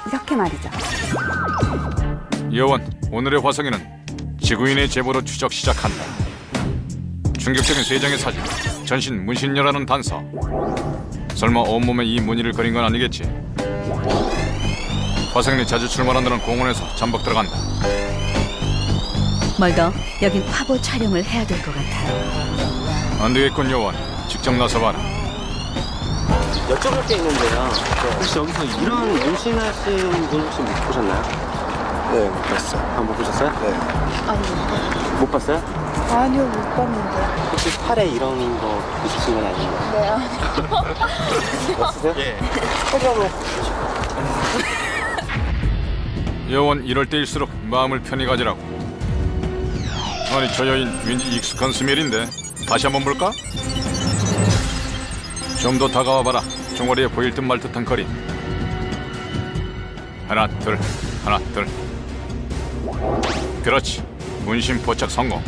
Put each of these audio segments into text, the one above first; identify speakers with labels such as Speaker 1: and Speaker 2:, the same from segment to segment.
Speaker 1: 이렇게 말이죠.
Speaker 2: 여원, 오늘의 화성인은 지구인의 제보로 추적 시작한다. 충격적인 세 장의 사진, 전신 문신녀라는 단서. 설마 온몸에 이 무늬를 그린 건 아니겠지? 화성인이 자주 출몰한다는 공원에서 잠복 들어간다.
Speaker 3: 멀더, 여긴 화보 촬영을 해야 될 것 같아요.
Speaker 2: 안 되겠군 여원, 직접 나서봐라.
Speaker 4: 여쭤볼 게 있는데요. 혹시 여기서 이런 문신하신 분 혹시 못 보셨나요?
Speaker 5: 네, 못 봤어요.
Speaker 4: 아, 못 보셨어요?
Speaker 5: 네.
Speaker 6: 아니요.
Speaker 4: 못 봤어요?
Speaker 6: 아니요, 못 봤는데.
Speaker 4: 혹시 팔에 이런 거 있으신 건 아니에요?
Speaker 6: 네, 아니요.
Speaker 4: 없으세요?
Speaker 5: 예.
Speaker 2: 여원, 이럴 때일수록 마음을 편히 가지라고. 아니 저 여인 왠지 익숙한 스멜인데 다시 한번 볼까? 좀 더 다가와봐라. 종아리에 보일 듯 말 듯한 거리. 하나 둘 하나 둘. 그렇지, 문신 포착 성공.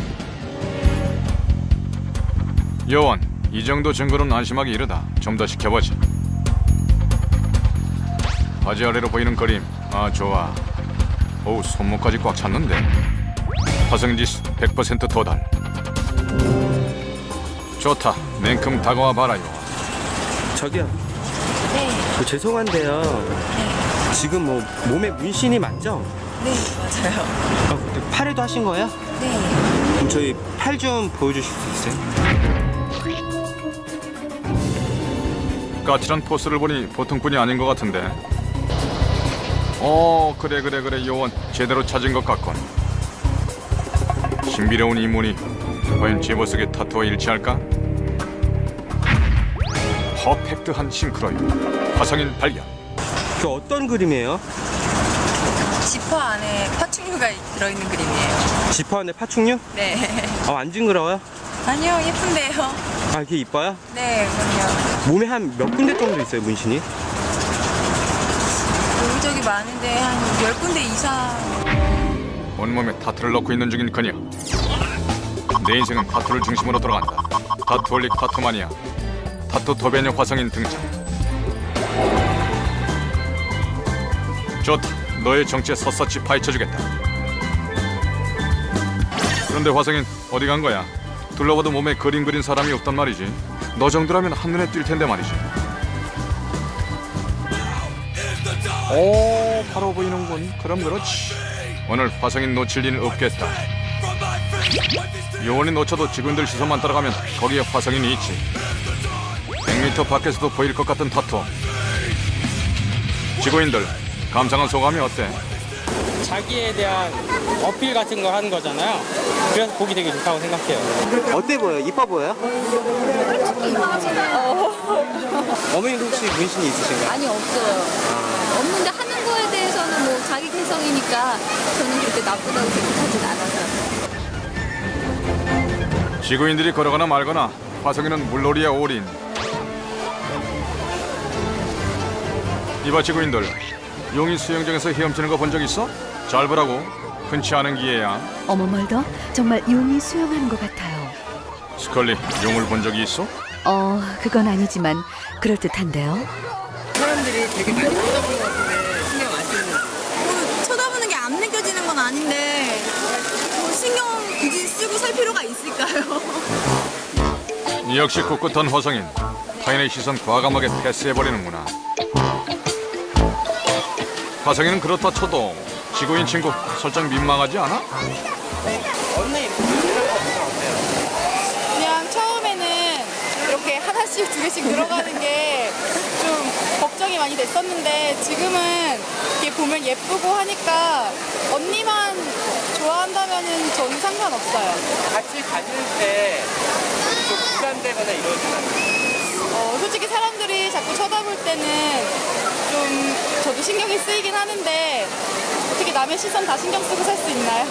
Speaker 2: 여원, 이 정도 증거는 안심하기 이르다. 좀 더 지켜보지. 바지 아래로 보이는 그림, 아 좋아. 어우, 손목까지 꽉 찼는데. 화성지수 100% 도달. 좋다, 냉큼 다가와 봐라요.
Speaker 4: 저기요.
Speaker 6: 네,
Speaker 4: 죄송한데요. 지금 뭐 몸에 문신이 맞죠?
Speaker 6: 네, 맞아요.
Speaker 4: 근데 팔에도 하신 거예요?
Speaker 6: 네.
Speaker 4: 그럼 저희 팔 좀 보여주실 수 있어요?
Speaker 2: 까칠한 포스를 보니 보통 분이 아닌 것 같은데. 그래 요원, 제대로 찾은 것 같군. 신비로운 이 무늬, 과연 제보 속의 타투와 일치할까? 퍼펙트한 싱크로율, 화성인 발견.
Speaker 4: 그 어떤 그림이에요?
Speaker 6: 지퍼 안에 파충류가 들어있는 그림이에요.
Speaker 4: 지퍼 안에 파충류?
Speaker 6: 네.
Speaker 4: 안 징그러워요?
Speaker 6: 아니요, 예쁜데요.
Speaker 4: 아, 이게 이뻐요?
Speaker 6: 네, 그럼요.
Speaker 4: 몸에 한 몇 군데 정도 있어요, 문신이?
Speaker 6: 여기저기 많은데 한 10군데 이상.
Speaker 2: 온몸에 타투를 넣고 있는 중인 그녀. 내 인생은 타투를 중심으로 돌아간다. 타투올릭 타투마니아, 타투 도배녀 화성인 등장. 좋다, 너의 정체에 샅샅이 파헤쳐주겠다. 그런데 화성인 어디 간 거야? 둘러봐도 몸에 그림 그린 사람이 없단 말이지. 너 정도라면 한눈에 띌 텐데 말이지. 오, 바로 보이는군. 그럼 그렇지. 오늘 화성인 놓칠 일 없겠다. 요원이 놓쳐도 지구인들 시선만 따라가면 거기에 화성인이 있지. 100m 밖에서도 보일 것 같은 타투. 지구인들, 감상한 소감이 어때?
Speaker 7: 자기에 대한 어필 같은 거 하는 거잖아요. 그래서 보기 되게 좋다고 생각해요.
Speaker 4: 어때 보여요? 이뻐 보여요? 어머니도 혹시 문신이 있으신가요?
Speaker 8: 아니 없어요. 없는데 하는 거에 대해서는 뭐 자기 개성이니까 저는 그렇게 나쁘다고 생각하진 않아서.
Speaker 2: 지구인들이 걸어가나 말거나 화성인은 물놀이에 올인. 이봐 지구인들, 용이 수영장에서 헤엄치는 거 본 적 있어? 잘 보라고. 흔치 않은 기회야.
Speaker 3: 어머 멀더, 정말 용이 수영하는 것 같아요.
Speaker 2: 스컬리, 용을 본 적이 있어?
Speaker 3: 그건 아니지만 그럴듯한데요.
Speaker 6: 사람들이 되게 많이 쳐다보는 것 같은데 신경 안 쓰는. 뭐 쳐다보는 게 안 느껴지는 건 아닌데 뭐 신경 굳이 쓰고 살 필요가 있을까요?
Speaker 2: 역시 꿋꿋한 화성인. 타인의 시선 과감하게 패스해버리는구나. 화성인은 그렇다 쳐도 지구인 친구 살짝 민망하지 않아?
Speaker 6: 그냥 처음에는 이렇게 하나씩 두 개씩 늘어가는 게 좀 걱정이 많이 됐었는데 지금은 이렇게 보면 예쁘고 하니까 언니만 좋아한다면은 저는 상관없어요.
Speaker 7: 같이 다닐 때 좀 부담되거나 이러진 않아요.
Speaker 6: 솔직히 사람들이 자꾸 쳐다볼 때는 좀 저도 신경이 쓰이긴 하는데 어떻게 남의 시선 다 신경 쓰고 살 수 있나요?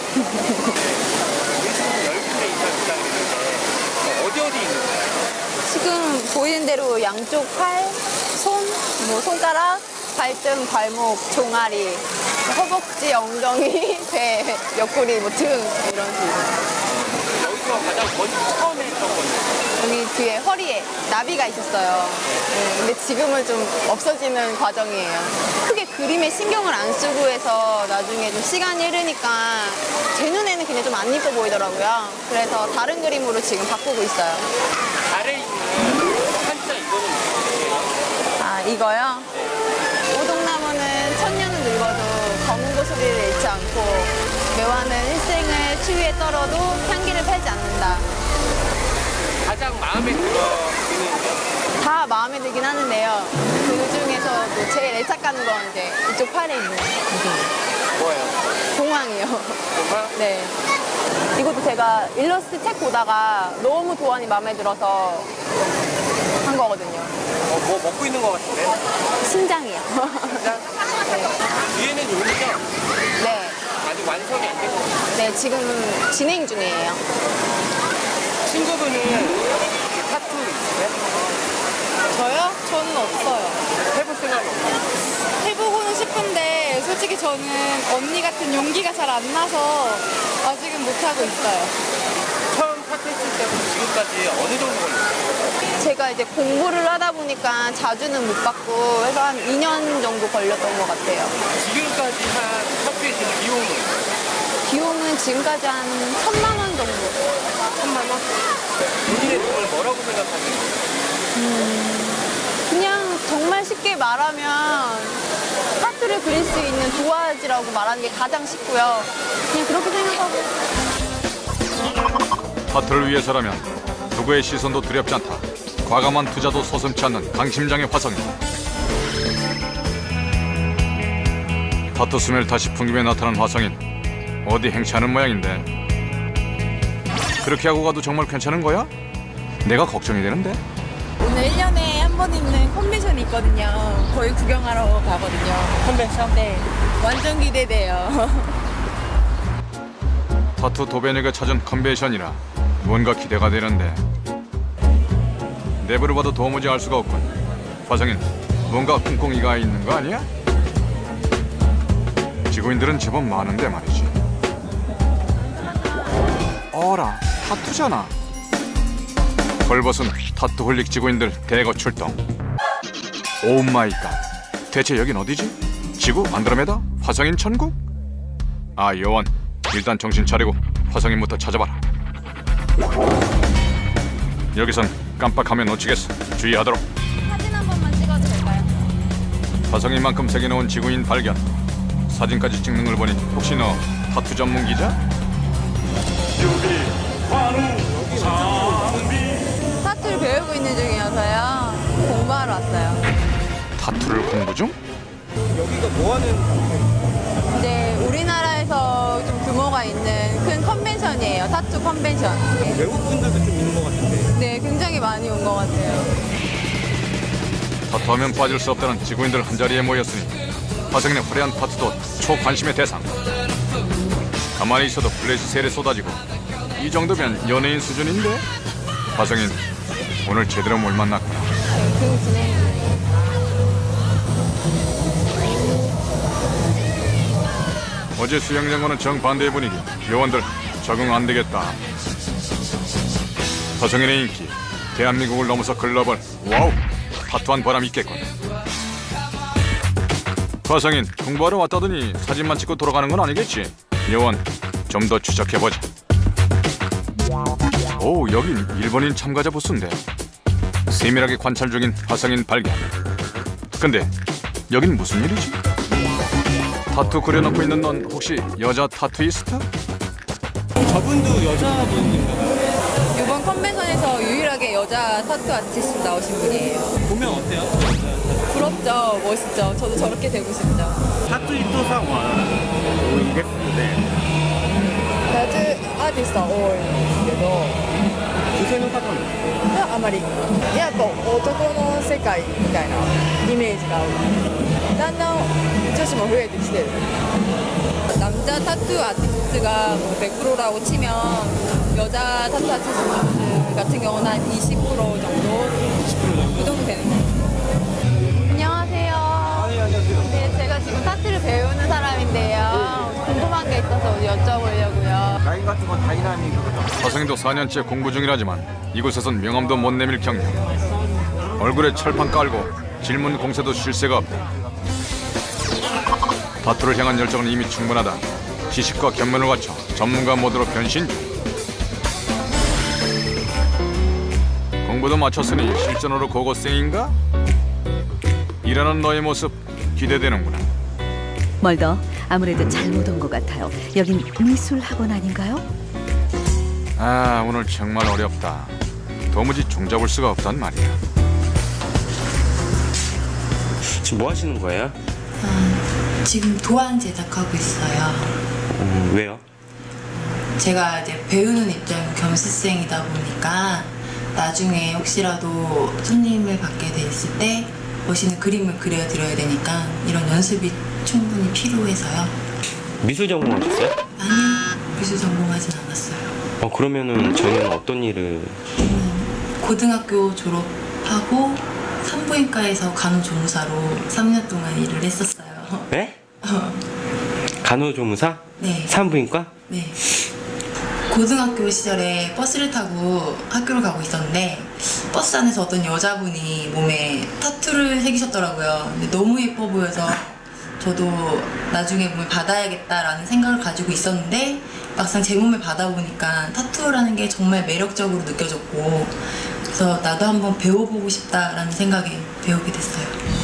Speaker 7: 문신은 10군데 이상 있다고 그러는데 어디 있는 거예요?
Speaker 8: 지금 보이는 대로 양쪽 팔, 손, 뭐 손가락, 발등, 발목, 종아리, 허벅지, 엉덩이, 배, 옆구리, 뭐 등 이런 식으로.
Speaker 7: 여기서 가장 먼저 처음에 했던 건데
Speaker 6: 여기 뒤에 허리에 나비가 있었어요. 근데 지금은 좀 없어지는 과정이에요. 크게 그림에 신경을 안 쓰고 해서 나중에 좀 시간이 흐르니까 제 눈에는 그냥 좀 안 이뻐 보이더라고요. 그래서 다른 그림으로 지금 바꾸고 있어요.
Speaker 7: 아래 있는 한자 이거는 뭐예요?
Speaker 6: 아, 이거요? 오동나무는 천년은 늙어도 검은 고소리를 잃지 않고 매화는 일생을 추위에 떨어도 향기를 팔지 않는다.
Speaker 7: 가장 마음에 들어
Speaker 6: 다 마음에 들긴 하는데요. 그 중에서도 제일 애착 가는 건 이제 이쪽 팔에 있는
Speaker 7: 뭐예요?
Speaker 6: 공황이요.
Speaker 7: 정말?
Speaker 6: 네. 이것도 제가 일러스트 책 보다가 너무 도안이 마음에 들어서 한 거거든요.
Speaker 7: 뭐 먹고 있는 것 같은데?
Speaker 6: 신장이요.
Speaker 7: 뒤에는 요리죠?
Speaker 6: 네.
Speaker 7: 아직 완성이 안 되고
Speaker 6: 네, 지금 진행 중이에요.
Speaker 7: 친구분은 타투 있으세요?
Speaker 6: 저요? 저는 없어요.
Speaker 7: 해볼 생각이 없나요?
Speaker 6: 해보고는 싶은데 솔직히 저는 언니 같은 용기가 잘 안 나서 아직은 못하고 있어요.
Speaker 7: 처음 타투 했을 때부터 지금까지 어느 정도 걸렸어요?
Speaker 6: 제가 이제 공부를 하다 보니까 자주는 못 받고 해서 한 2년 정도 걸렸던 것 같아요.
Speaker 7: 지금까지 한 타투의 지금 비용은
Speaker 6: 비용은 지금까지 한 1,000만 원 정도.
Speaker 7: 1,000만 원? 본인의 돈을 뭐라고 생각하세요?
Speaker 6: 그냥 정말 쉽게 말하면 타투를 그릴 수 있는 도화지라고 말하는 게 가장 쉽고요. 그냥 그렇게 생각하고.
Speaker 2: 타투를 위해서라면 누구의 시선도 두렵지 않다. 과감한 투자도 서슴지 않는 강심장의 화성인. 타투 스멜 다시 풍김에 나타난 화성인. 어디 행차하는 모양인데. 그렇게 하고 가도 정말 괜찮은 거야? 내가 걱정이 되는데.
Speaker 6: 오늘 1년에 한 번 있는 컨벤션이 있거든요. 거의 구경하러 가거든요. 컨벤션? 네. 완전 기대돼요.
Speaker 2: 타투 도배녀가 찾은 컨벤션이라 뭔가 기대가 되는데 내부를 봐도 도무지 알 수가 없군. 화성인, 뭔가 꿍꿍이가 있는 거 아니야? 지구인들은 제법 많은데 말이지. 어라, 타투잖아. 벌벗은 타투홀릭 지구인들 대거 출동. 오 마이 갓. 대체 여긴 어디지? 지구, 안드로메다? 화성인 천국? 아, 여원. 일단 정신 차리고 화성인부터 찾아봐라. 여기선 깜빡하면 놓치겠어. 주의하도록.
Speaker 8: 사진 한 번만 찍어도 될까요?
Speaker 2: 화성인만큼 세게 놓은 지구인 발견. 사진까지 찍는 걸 보니 혹시 너 타투 전문 기자?
Speaker 6: 타투를 배우고 있는 중이어서요. 공부하러 왔어요.
Speaker 2: 타투를 공부 중?
Speaker 7: 여기가 뭐 하는
Speaker 6: 이제 우리나라에서 좀 규모가 있는 큰 컨벤션이에요. 타투 컨벤션.
Speaker 7: 외국 분들도 좀 있는 것 같은데
Speaker 6: 네, 굉장히 많이 온 것 같아요.
Speaker 2: 타투하면 빠질 수 없다는 지구인들 한자리에 모였으니 화성인의 화려한 타투도 초관심의 대상. 가만히 있어도 플래시 세례 쏟아지고 이 정도면 연예인 수준인데? 화성인, 오늘 제대로 뭘 만났구나.
Speaker 6: 그 진행 중이에요.
Speaker 2: 어제 수영장과는 정반대의 분위기. 요원들 적응 안 되겠다. 화성인의 인기, 대한민국을 넘어서 글로벌. 와우, 타투한 보람 있겠군. 화성인, 공부하러 왔다더니 사진만 찍고 돌아가는 건 아니겠지? 요원, 좀 더 추적해보자. 오, 여긴 일본인 참가자 부스인데. 세밀하게 관찰 중인 화성인 발견. 근데 여긴 무슨 일이지? 타투 그려놓고 있는 넌 혹시 여자 타투이스트?
Speaker 7: 저분도 여자분인가요?
Speaker 6: 이번 컨벤션에서 유일하게 여자 타투 아티스트 나오신 분이에요.
Speaker 7: 보면 어때요?
Speaker 6: 부럽죠? 멋있죠? 저도 저렇게 되고 싶죠.
Speaker 7: タトゥー人さんは多いですので
Speaker 6: タトゥーアーティストは多いんですけど、
Speaker 7: 女性の方も
Speaker 6: あまりやっぱ男の世界みたいなイメージがある。だんだん女子も増えてきてる。 남자 타투 아티스트가 뭐 100%라고 치면 여자 타투 아티스트 같은 경우는 한 20% 정도? 그 정도 되는 것 같아요. 안녕하세요. 네, 제가 지금 타투를 배우는 사람인데요. 궁금한 게 있어서 여쭤보려고요.
Speaker 5: 라인 같은 건 다이나믹이거든.
Speaker 2: 화성이도 4년째 공부 중이라지만 이곳에선 명함도 못 내밀 경력. 얼굴에 철판 깔고 질문 공세도 쉴 새가 없다. 타투를 향한 열정은 이미 충분하다. 지식과 견면을 갖춰 전문가 모드로 변신 중. 공부도 마쳤으니 실전으로 고고생인가? 일하는 너의 모습 기대되는구나.
Speaker 3: 멀더 아무래도 잘못 온 것 같아요. 여긴 미술 학원 아닌가요?
Speaker 2: 아, 오늘 정말 어렵다. 도무지 종잡을 수가 없단 말이야.
Speaker 4: 지금 뭐 하시는 거예요?
Speaker 1: 지금 도안 제작하고 있어요.
Speaker 4: 왜요?
Speaker 1: 제가 이제 배우는 입장 겸수생이다 보니까 나중에 혹시라도 손님을 받게 됐을 때 멋있는 그림을 그려드려야 되니까 이런 연습이 충분히 필요해서요.
Speaker 4: 미술 전공하셨어요?
Speaker 1: 아니요, 미술 전공하진 않았어요.
Speaker 4: 그러면은 저희는 어떤 일을?
Speaker 1: 고등학교 졸업하고 산부인과에서 간호조무사로 3년 동안 일을 했었어요.
Speaker 4: 네? 간호조무사?
Speaker 1: 네.
Speaker 4: 산부인과?
Speaker 1: 네. 고등학교 시절에 버스를 타고 학교를 가고 있었는데 버스 안에서 어떤 여자분이 몸에 타투를 새기셨더라고요. 근데 너무 예뻐 보여서 저도 나중에 몸을 받아야겠다라는 생각을 가지고 있었는데 막상 제 몸을 받아보니까 타투라는 게 정말 매력적으로 느껴졌고 그래서 나도 한번 배워보고 싶다라는 생각에 배우게 됐어요.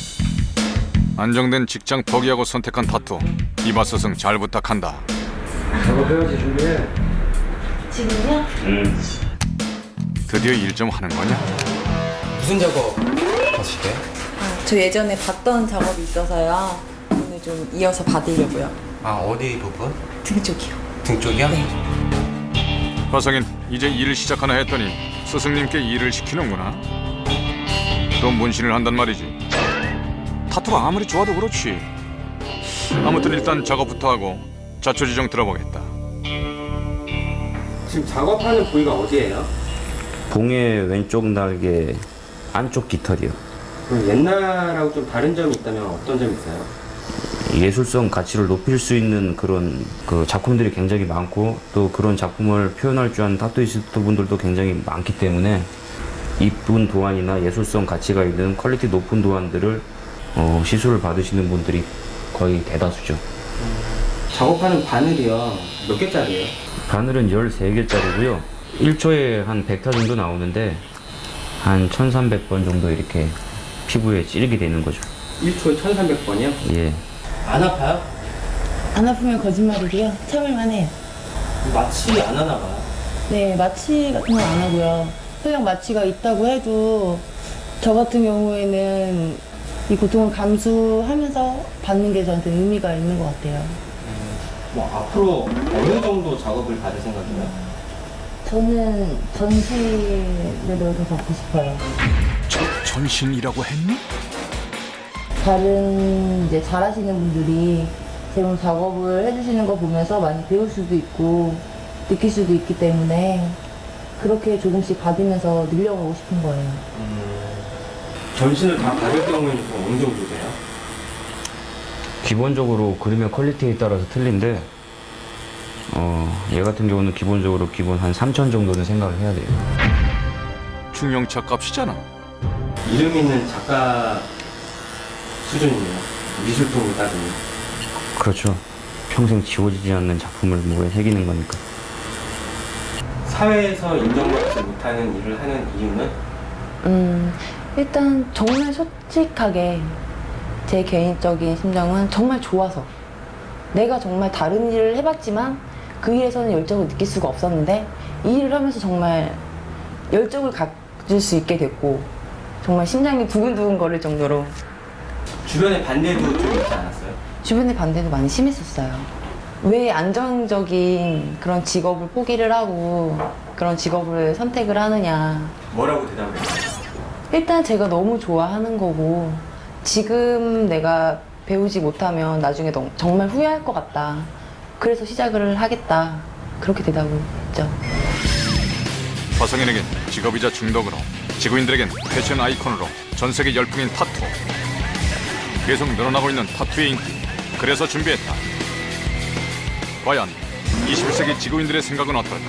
Speaker 2: 안정된 직장 포기하고 선택한 타투. 이봐 스승 잘 부탁한다.
Speaker 4: 작업해야지 준비해.
Speaker 8: 지금요?
Speaker 2: 드디어 일 좀 하는 거냐?
Speaker 5: 무슨 작업 하시게?
Speaker 9: 저 예전에 봤던 작업이 있어서요. 오늘 좀 이어서 받으려고요.
Speaker 5: 아, 어디 부분?
Speaker 9: 등 쪽이요.
Speaker 5: 등 쪽이야?
Speaker 2: 화성인 이제 일을 시작하나 했더니 스승님께 일을 시키는구나. 또 문신을 한단 말이지. 타투가 아무리 좋아도 그렇지. 아무튼 일단 작업부터 하고 자초지종 들어보겠다.
Speaker 4: 지금 작업하는 부위가 어디예요?
Speaker 10: 봉의 왼쪽 날개 안쪽 깃털이요.
Speaker 4: 그럼 옛날하고 좀 다른 점이 있다면 어떤 점이 있어요?
Speaker 10: 예술성 가치를 높일 수 있는 그런 작품들이 굉장히 많고 또 그런 작품을 표현할 줄 아는 타투이스트 분들도 굉장히 많기 때문에 이쁜 도안이나 예술성 가치가 있는 퀄리티 높은 도안들을 시술을 받으시는 분들이 거의 대다수죠.
Speaker 4: 작업하는 바늘이요. 몇 개짜리예요?
Speaker 10: 바늘은 13개짜리고요. 1초에 한 100타 정도 나오는데 한 1300번 정도 이렇게 피부에 찌르게 되는 거죠.
Speaker 4: 1초에 1300번이요?
Speaker 10: 예.
Speaker 4: 안 아파요?
Speaker 11: 안 아프면 거짓말이고요. 참을만 해요.
Speaker 4: 마취 안 하나 봐요?
Speaker 11: 네, 마취 같은 건 안 하고요. 설령 마취가 있다고 해도 저 같은 경우에는 이 고통을 감수하면서 받는 게 저한테 의미가 있는 것 같아요.
Speaker 4: 뭐 앞으로 어느 정도 작업을 받을 생각이에요?
Speaker 11: 저는 전시를 더 받고 싶어요.
Speaker 2: 전신이라고 했니?
Speaker 11: 다른 이제 잘하시는 분들이 제 몸 작업을 해주시는 거 보면서 많이 배울 수도 있고 느낄 수도 있기 때문에 그렇게 조금씩 받으면서 늘려가고 싶은 거예요.
Speaker 4: 전신을 다 받을 경우에는 어느 정도 돼요?
Speaker 10: 기본적으로 그림의 퀄리티에 따라서 틀린데 얘 같은 경우는 기본적으로 기본 한 3,000 정도는 생각을 해야 돼요.
Speaker 2: 중형차 값이잖아.
Speaker 4: 이름 있는 작가 수준이네요. 미술품을 따지면.
Speaker 10: 그렇죠. 평생 지워지지 않는 작품을 몸에 새기는 거니까.
Speaker 4: 사회에서 인정받지 못하는 일을 하는 이유는?
Speaker 11: 일단 정말 솔직하게 제 개인적인 심정은 정말 좋아서 내가 정말 다른 일을 해봤지만 그 일에서는 열정을 느낄 수가 없었는데 이 일을 하면서 정말 열정을 가질 수 있게 됐고 정말 심장이 두근두근 거릴 정도로
Speaker 4: 주변의 반대도 좀 있지 않았어요?
Speaker 11: 주변의 반대도 많이 심했었어요. 왜 안정적인 그런 직업을 포기를 하고 그런 직업을 선택을 하느냐.
Speaker 4: 뭐라고 대답을 했어요?
Speaker 11: 일단 제가 너무 좋아하는 거고 지금 내가 배우지 못하면 나중에 정말 후회할 것 같다. 그래서 시작을 하겠다. 그렇게 대답을 했죠.
Speaker 2: 화성인에겐 직업이자 중독으로, 지구인들에겐 패션 아이콘으로 전 세계 열풍인 타투. 계속 늘어나고 있는 타투의 인기. 그래서 준비했다. 과연 21세기 지구인들의 생각은 어떨까?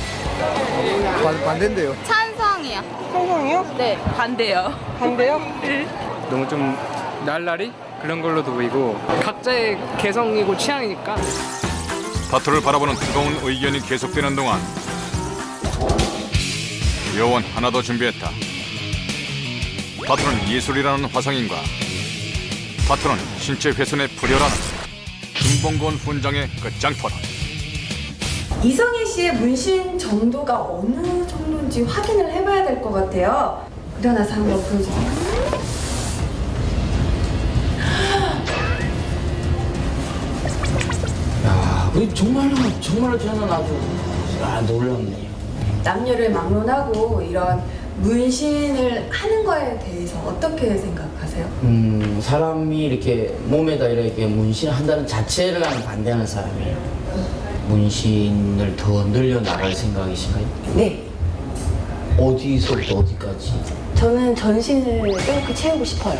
Speaker 12: 반대인데요.
Speaker 6: 찬성이요.
Speaker 12: 찬성이요?
Speaker 6: 네.
Speaker 11: 반대요.
Speaker 12: 반대요?
Speaker 7: 너무 좀 날라리 그런 걸로도 보이고 각자의 개성이고 취향이니까.
Speaker 2: 타투를 바라보는 뜨거운 의견이 계속되는 동안 요원 하나 더 준비했다. 타투는 예술이라는 화성인과 타투는 신체 훼손에 불효라는 김봉건 훈장의 끝장 토론.
Speaker 13: 이성희 씨의 문신 정도가 어느 정도인지 확인을 해봐야 될 것 같아요. 일어나서 한번 보여주세요.
Speaker 10: 야, 정말로 저는 아주 놀랍네요.
Speaker 13: 남녀를 막론하고 이런 문신을 하는 거에 대해서 어떻게 생각하세요?
Speaker 10: 사람이 이렇게 몸에다 이렇게 문신을 한다는 자체를 나는 반대하는 사람이에요. 문신을 더 늘려 나갈 생각이신가요?
Speaker 11: 네.
Speaker 10: 어디서부터 어디까지?
Speaker 11: 저는 전신을 이렇게 채우고 싶어요.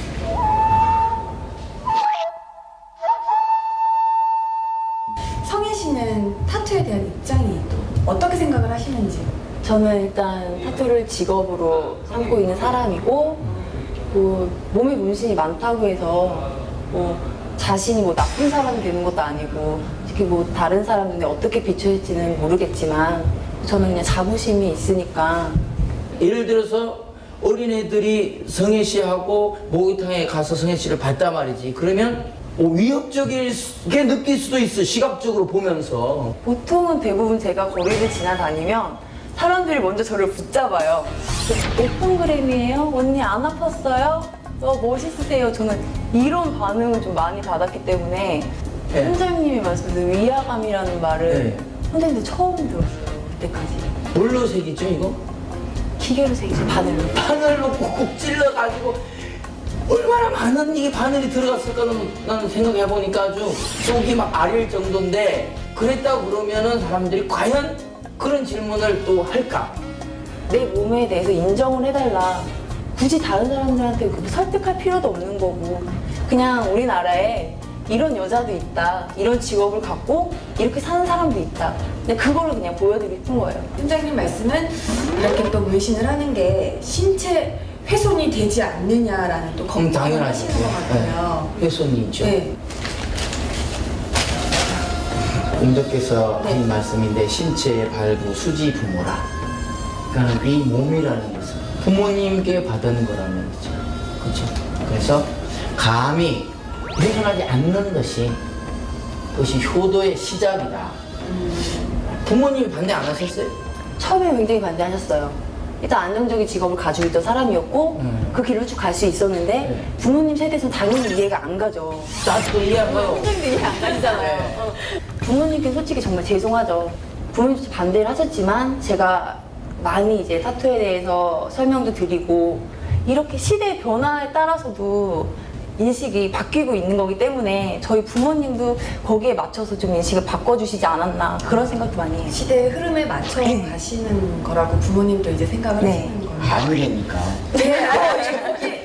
Speaker 13: 성희 씨는 타투에 대한 입장이 또 어떻게 생각을 하시는지?
Speaker 11: 저는 일단 타투를 직업으로 삼고 있는 사람이고 몸에 문신이 많다고 해서 자신이 나쁜 사람이 되는 것도 아니고 특히 다른 사람 눈에 어떻게 비춰질지는 모르겠지만 저는 그냥 자부심이 있으니까.
Speaker 10: 예를 들어서 어린애들이 성혜 씨하고 목욕탕에 가서 성혜 씨를 봤단 말이지. 그러면 위협적이게 느낄 수도 있어, 시각적으로 보면서.
Speaker 11: 보통은 대부분 제가 거리를 지나다니면 사람들이 먼저 저를 붙잡아요. 몇 폰그램이에요? 언니 안 아팠어요? 멋있으세요? 저는 이런 반응을 좀 많이 받았기 때문에
Speaker 10: 네.
Speaker 11: 원장님이 말씀드린 위화감이라는 말을
Speaker 10: 네.
Speaker 11: 선생님도 처음 들었어요. 그때까지.
Speaker 10: 뭘로 새기죠, 이거?
Speaker 11: 기계로 새기죠, 바늘로.
Speaker 10: 바늘로 꾹꾹 찔러가지고 얼마나 많은 이게 바늘이 들어갔을까는 나는 생각해보니까 아주 속이 막 아릴 정도인데, 그랬다고 그러면은 사람들이 과연 그런 질문을 또 할까?
Speaker 11: 내 몸에 대해서 인정을 해달라. 굳이 다른 사람들한테 설득할 필요도 없는 거고, 그냥 우리나라에 이런 여자도 있다, 이런 직업을 갖고 이렇게 사는 사람도 있다. 근데 그거를 그냥 보여드리고 싶은 거예요.
Speaker 13: 팀장님 말씀은 이렇게 또 문신을 하는 게 신체 훼손이 되지 않느냐라는 또 걱정을
Speaker 10: 당연하죠.
Speaker 13: 하시는 것 같아요.
Speaker 10: 네. 훼손이 있죠.
Speaker 13: 네.
Speaker 10: 공덕께서 하신 말씀인데, 신체의 발부 수지 부모라. 그러니까 이 몸이라는 것은 부모님께 받은 거라는 거죠. 그렇죠? 그래서 감히 훼손하지 않는 것이 그것이 효도의 시작이다. 부모님이 반대 안 하셨어요?
Speaker 11: 처음에 굉장히 반대하셨어요. 일단 안정적인 직업을 가지고 있던 사람이었고 그 길로 쭉 갈 수 있었는데 부모님 세대에서는 당연히 이해가 안 가죠.
Speaker 10: 나도 이해 안 가요.
Speaker 11: 선생님도 이해 안 가시잖아요. 부모님께 솔직히 정말 죄송하죠. 부모님도 반대를 하셨지만 제가 많이 이제 타투에 대해서 설명도 드리고 이렇게 시대의 변화에 따라서도 인식이 바뀌고 있는 거기 때문에 저희 부모님도 거기에 맞춰서 좀 인식을 바꿔주시지 않았나 그런 생각도 많이 해요.
Speaker 13: 시대의 흐름에 맞춰 가시는 거라고 부모님도 이제 생각을 하시는 거예요.
Speaker 10: 아니라니까.
Speaker 13: 네.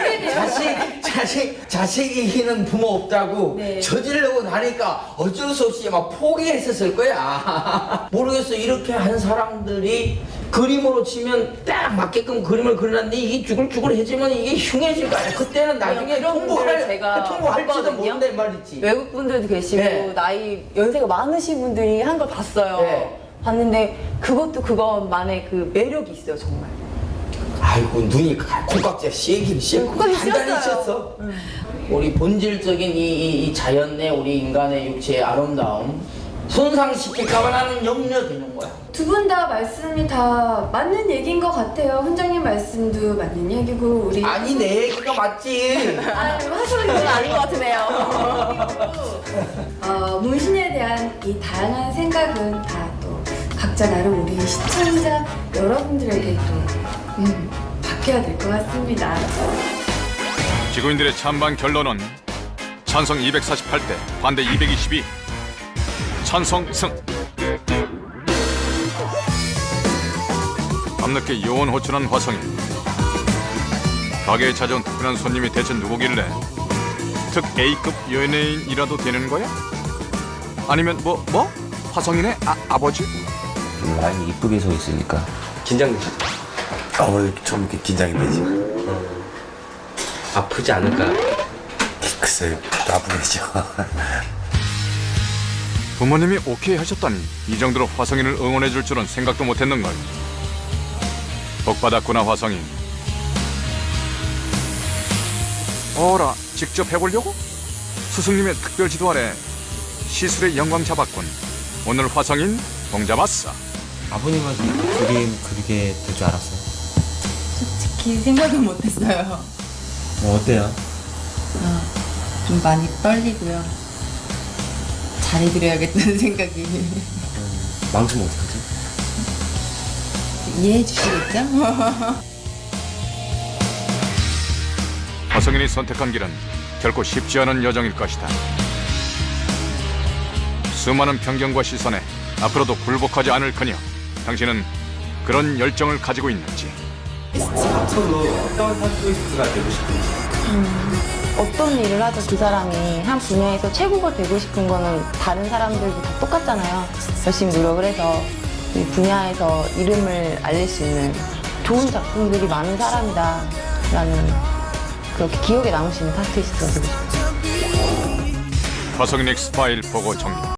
Speaker 10: 자식이기는 부모 없다고
Speaker 13: 네.
Speaker 10: 저지르고 나니까 어쩔 수 없이 막 포기했었을 거야. 모르겠어. 이렇게 한 사람들이 그림으로 치면 딱 맞게끔 그림을 그려놨는데 이게 쭈글쭈글해지면 이게 흉해질 거 아니야. 그때는 나중에 통보할지도 모른다 말이지.
Speaker 11: 외국 분들도 계시고
Speaker 10: 네.
Speaker 11: 나이 연세가 많으신 분들이 한 걸 봤어요.
Speaker 10: 네.
Speaker 11: 봤는데 그것도 그것만의 그 매력이 있어요, 정말.
Speaker 10: 아이고, 눈이 콩깍지가 씌긴
Speaker 11: 콩깍지
Speaker 10: 단단히
Speaker 11: 씌었어요.
Speaker 10: 씌었어. 우리 본질적인 이 자연의 우리 인간의 육체의 아름다움 손상시킬까봐 나는 염려되는 거야.
Speaker 13: 두 분 다 말씀이 다 맞는 얘기인 것 같아요. 훈장님 말씀도 맞는 얘기고 우리
Speaker 10: 아니, 내 얘기가 맞지.
Speaker 13: 하소연
Speaker 11: 그건 아닌 것 같으네요.
Speaker 13: 문신에 대한 이 다양한 생각은 다 또 각자 나름 우리 시청자 여러분들에게 또 바뀌어야 될 것 같습니다.
Speaker 2: 지구인들의 찬반 결론은 찬성 248대 반대 222. 찬성 승. 밤늦게 요원 호출한 화성인. 가게에 찾아온 특별한 손님이 대체 누구길래 특 A급 연예인이라도 되는 거야? 아니면 뭐? 화성인의 아버지?
Speaker 10: 라인이 이쁘게 서 있으니까.
Speaker 4: 긴장되시죠?
Speaker 5: 좀 이렇게 긴장이 되지.
Speaker 4: 아프지 않을까?
Speaker 5: 글쎄, 아프겠죠.
Speaker 2: 부모님이 오케이 하셨다니 이 정도로 화성인을 응원해 줄 줄은 생각도 못했는걸. 복 받았구나 화성인. 어라, 직접 해보려고? 스승님의 특별 지도 아래 시술의 영광 잡았군. 오늘 화성인 공 잡았어.
Speaker 5: 아버님한테 그림 그리게 될 줄 알았어요.
Speaker 1: 솔직히 생각은 못했어요.
Speaker 5: 어때요?
Speaker 1: 좀 많이 떨리고요. 잘해드려야겠다는 생각이.
Speaker 5: 망치면 어떡하지?
Speaker 1: 이해해 주시겠죠?
Speaker 2: 화성인이 선택한 길은 결코 쉽지 않은 여정일 것이다. 수많은 편견과 시선에 앞으로도 굴복하지 않을 그녀. 당신은 그런 열정을 가지고 있는지.
Speaker 5: 앞으로 어떤 타투이스트가 되고 싶은지.
Speaker 11: 어떤 일을 하든 그 사람이 한 분야에서 최고가 되고 싶은 거는 다른 사람들도 다 똑같잖아요. 열심히 노력을 해서 이 분야에서 이름을 알릴 수 있는 좋은 작품들이 많은 사람이다라는 그렇게 기억에 남을 수 있는 타투이스트가 되고 싶어요.
Speaker 2: 화성인 엑스파일 보고 정리.